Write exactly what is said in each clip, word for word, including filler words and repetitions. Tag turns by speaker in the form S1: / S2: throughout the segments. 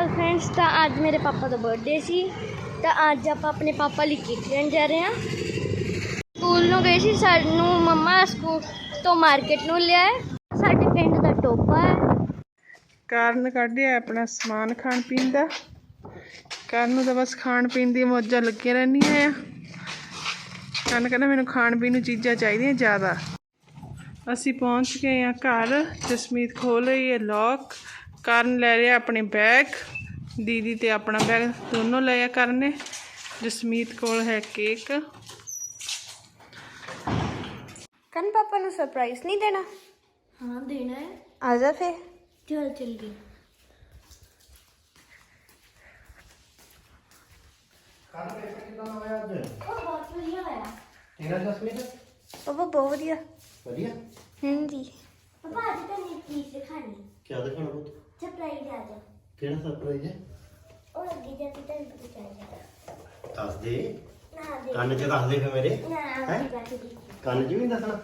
S1: ਅਕਾਲ friends. तो अज मेरे पापा का बर्थडे सी तो अज आप अपने पापा लिए केक लेन जा रहे हैं। स्कूल नूं गए सी, सानू मम्मा स्कूल तो मार्केट नूं लिया है। साडे पिंड दा टोपा है।
S2: कारण कढ़िया अपना समान खाण पीन का। कारण नूं तां बस खाण पीन दी मौजां लगियां रहंदियां आ। कारण कहना मैनूं खाण पीन नूं चीज़ां चाहीदियां ज़्यादा। असीं पहुँच गए हैं घर। जसमीत खोल रही है लॉक। कारण ले लिया अपने बैग, दीदी ते अपना बैग दोनों लिया कारण ने। जसमीत कोल है केक।
S3: कन पापा नूं सरप्राइज नहीं देना?
S1: हाँ देना है।
S3: आजा फिर
S1: चल चल गई। बहुत बढ़िया होया।
S4: तेरा जसमीत
S3: पापा बहुत वधिया।
S4: बढ़िया।
S3: हम्म जी।
S1: पापा आज तो नहीं चीज दिखानी।
S4: क्या दिखाना पुत?
S1: सरप्राइज आ जा।
S4: केड़ा सरप्राइज है?
S1: और अगे जाके तेन पता चल जाएगा।
S4: दस दे।
S1: ना दे।
S4: कान च दस दे फिर मेरे।
S1: ना
S4: हैं?
S1: आगे जाके देख।
S4: कान च भी नहीं दसना?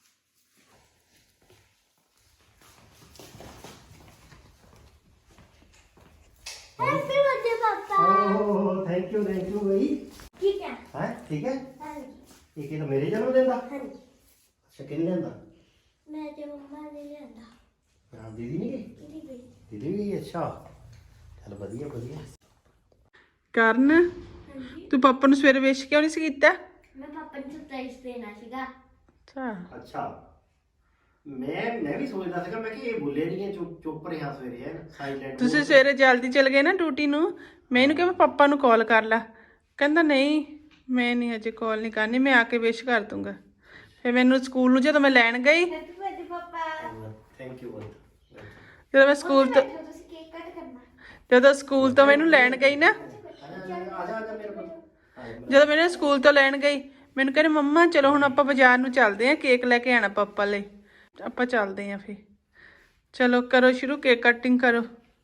S1: Happy birthday papa.
S4: Oh thank you thank you भाई।
S1: ठीक है।
S4: हैं ठीक है?
S1: हाँ जी।
S4: ये कि मेरे जन्मदिन दा?
S1: हाँ जी।
S4: अच्छा किन लेंदा?
S1: मैं ते मम्मा ने लियांदा।
S4: हां दीदी नहीं गई?
S1: दीदी गई।
S4: दीदी भी अच्छा। चल बढ़िया बढ़िया।
S2: कारण
S1: हाँ जी।
S2: तू पापा नूं सवेरे विश क्यों नहीं सी कीता?
S1: मैं पापा ने सरप्राइज देना सीगा।
S2: अच्छा
S4: अच्छा मैं मैं भी सोचदा ਸੀਗਾ मैं ਕਿ ਇਹ ਬੋਲੇ ਨਹੀਂ ਹੈ ਚੁੱਪ ਚੁੱਪ ਰਿਹਾ ਸਵੇਰੇ ਹੈ ਸਾਇਲੈਂਟ।
S2: ਤੁਸੀਂ ਸਵੇਰੇ ਜਲਦੀ ਚਲ ਗਏ ਨਾ ਡਿਊਟੀ ਨੂੰ। ਮੈਂ ਇਹਨੂੰ ਕਿਹਾ ਪਾਪਾ ਨੂੰ ਕਾਲ ਕਰ ਲਾ। ਕਹਿੰਦਾ ਨਹੀਂ ਮੈਂ ਨਹੀਂ ਹਜੇ ਕਾਲ ਨਹੀਂ ਕਰਨੀ, ਮੈਂ ਆ ਕੇ ਵਿਸ਼ ਕਰ ਦੂੰਗਾ। ਫਿਰ ਮੈਨੂੰ ਸਕੂਲ ਨੂੰ ਜਦੋਂ ਮੈਂ ਲੈਣ ਗਈ,
S1: happy birthday papa.
S4: Thank you
S2: ਜਦੋਂ ਮੈਂ ਸਕੂਲ ਤੋਂ
S1: ਤੁਸੀਂ ਕੇਕ ਕੱਟ ਕਰਨਾ।
S2: ਜਦੋਂ ਸਕੂਲ ਤੋਂ ਮੈਨੂੰ ਲੈਣ ਗਈ ਨਾ,
S4: ਆ ਜਾ ਆ ਜਾ ਮੇਰੇ ਕੋਲ।
S2: ਜਦੋਂ ਮੈਨੂੰ ਸਕੂਲ ਤੋਂ ਲੈਣ ਗਈ, ਮੈਨੂੰ ਕਹਿੰਦੇ ਮੰਮਾ ਚਲੋ ਹੁਣ ਆਪਾਂ ਬਾਜ਼ਾਰ ਨੂੰ ਚੱਲਦੇ ਆਂ, ਕੇਕ ਲੈ ਕੇ ਆਣਾ ਪਾਪਾ ਲਈ। ਆਪਾਂ ਚੱਲਦੇ ਆਂ ਫਿਰ। ਚਲੋ ਕਰੋ ਸ਼ੁਰੂ, ਕੇਕ ਕਟਿੰਗ ਕਰੋ।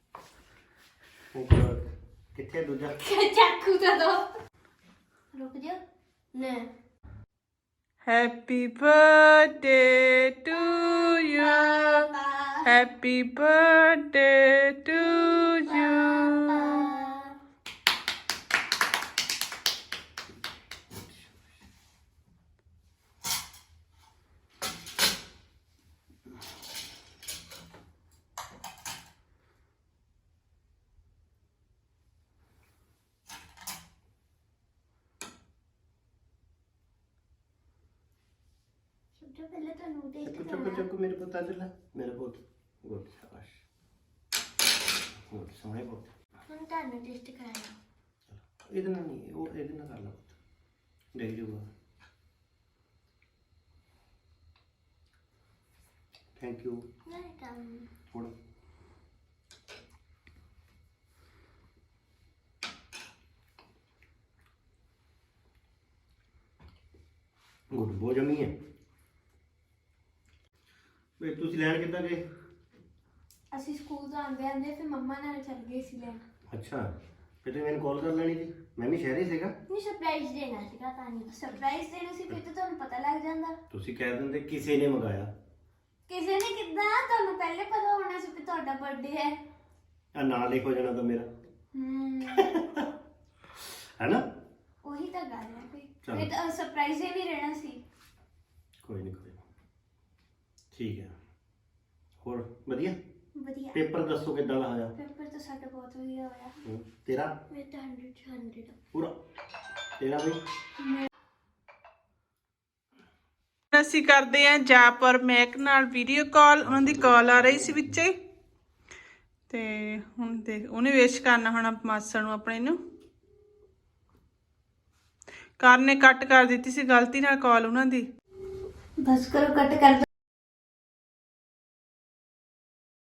S4: ਕਿੱਥੇ ਦੂਜਾ?
S1: चाकू दे दो। रुक जा। ने
S2: happy birthday to you, happy birthday to you.
S1: सबसे पहले तो नू टेस्ट
S4: चुप चुप चुप मेरे पुत आ जा मेरे पुत। गुड शाबाश गुड सोहने पुत।
S1: हम ताने टेस्ट कराना।
S4: ਇਹਦੇ ਨਾਲ ਨਹੀਂ ਉਹ ਇਹਦੇ ਨਾਲ ਕਰ ਲਾ ਪੁੱਤ ਦੇਖ ਜੂਗਾ। Thank you.
S1: वेलकम।
S4: ਥੋੜਾ ਗੁੱਡ ਬਹੁਤ ਜਮੀ ਹੈ। ਵੇ ਤੁਸੀਂ ਲੈਣ ਕਿੱਦਾਂ ਗਏ?
S3: ਅਸੀਂ ਸਕੂਲ ਤੋਂ ਆਂਦੇ ਆਂਦੇ ਫਿਰ ਮੰਮਾ ਨਾਲ ਚੱਲ ਗਏ ਸੀ ਲੈਣ।
S4: ਅੱਛਾ ਫਿਰ ਤੁਸੀਂ ਮੈਨੂੰ ਕਾਲ ਕਰ ਲੈਣੀ ਸੀ, ਮੈਂ ਵੀ ਸ਼ਹਿਰ ਹੀ ਸੀਗਾ।
S1: नहीं सरप्राइज देना सीगा तानी।
S3: ਸਰਪ੍ਰਾਈਜ਼ ਦੇਣਾ ਸੀ ਫਿਰ ਤਾਂ ਤੁਹਾਨੂੰ ਪਤਾ ਲੱਗ ਜਾਂਦਾ।
S4: ਤੁਸੀਂ ਕਹਿ ਦਿੰਦੇ ਕਿਸੇ ਨੇ ਮੰਗਾਇਆ।
S3: ਕਿਸੇ ਨੇ ਕਿੱਦਾਂ? ਤੁਹਾਨੂੰ ਪਹਿਲੇ ਪਤਾ ਹੋਣਾ ਸੀ ਕਿ ਤੁਹਾਡਾ ਬਰਥਡੇ ਹੈ।
S4: ਆ ਨਾਂ ਲਿਖੋ ਜਾਣਾ ਤਾਂ ਮੇਰਾ
S3: ਹੂੰ
S4: ਹੈਨਾ।
S3: ਉਹੀ ਤਾਂ ਗੱਲ ਹੈ ਕੋਈ।
S4: ਚਲੋ।
S3: ਫਿਰ ਤਾਂ ਸਰਪ੍ਰਾਈਜ਼ ਹੀ ਨਹੀਂ ਰਹਿਣਾ ਸੀ।
S4: ਕੋਈ ਨਹੀਂ ਕੋਈ ਨਹੀਂ ਠੀਕ ਹੈ। ਹੋਰ ਵਧੀਆ?
S3: ਵਧੀਆ।
S4: ਪੇਪਰ ਦੱਸੋ ਕਿੱਦਾਂ ਦਾ ਹੋਇਆ?
S3: ਪੇਪਰ ਤਾਂ ਸਾਡਾ ਬਹੁਤ ਵਧੀਆ ਹੋਇਆ।
S4: ਹੂੰ, ਤੇਰਾ
S1: मैं तो हंड्रेड से हंड्रेड।
S4: ਪੂਰਾ? ਤੇਰਾ ਬਈ?
S2: ਅਸੀਂ ਕਰਦੇ ਆਂ ਜਾਪਰ ਮੈਕ ਨਾਲ ਵੀਡੀਓ ਕਾਲ। ਉਹਨਾਂ ਦੀ ਕਾਲ ਆ ਰਹੀ ਸੀ ਵਿੱਚੇ ਹੀ ਤੇ ਹੁਣ ਦੇਖ ਉਹਨੇ ਵਿਸ਼ ਕਰਨਾ ਹੁਣ ਮਾਸੜ ਨੂੰ ਆਪਣੇ ਨੂੰ। ਕਾਰ ਨੇ ਕੱਟ ਕਰ ਦਿੱਤੀ ਸੀ ਗਲਤੀ ਨਾਲ ਕਾਲ ਉਹਨਾਂ ਦੀ।
S3: ਬਸ ਕਰੋ ਕੱਟ ਕਰ।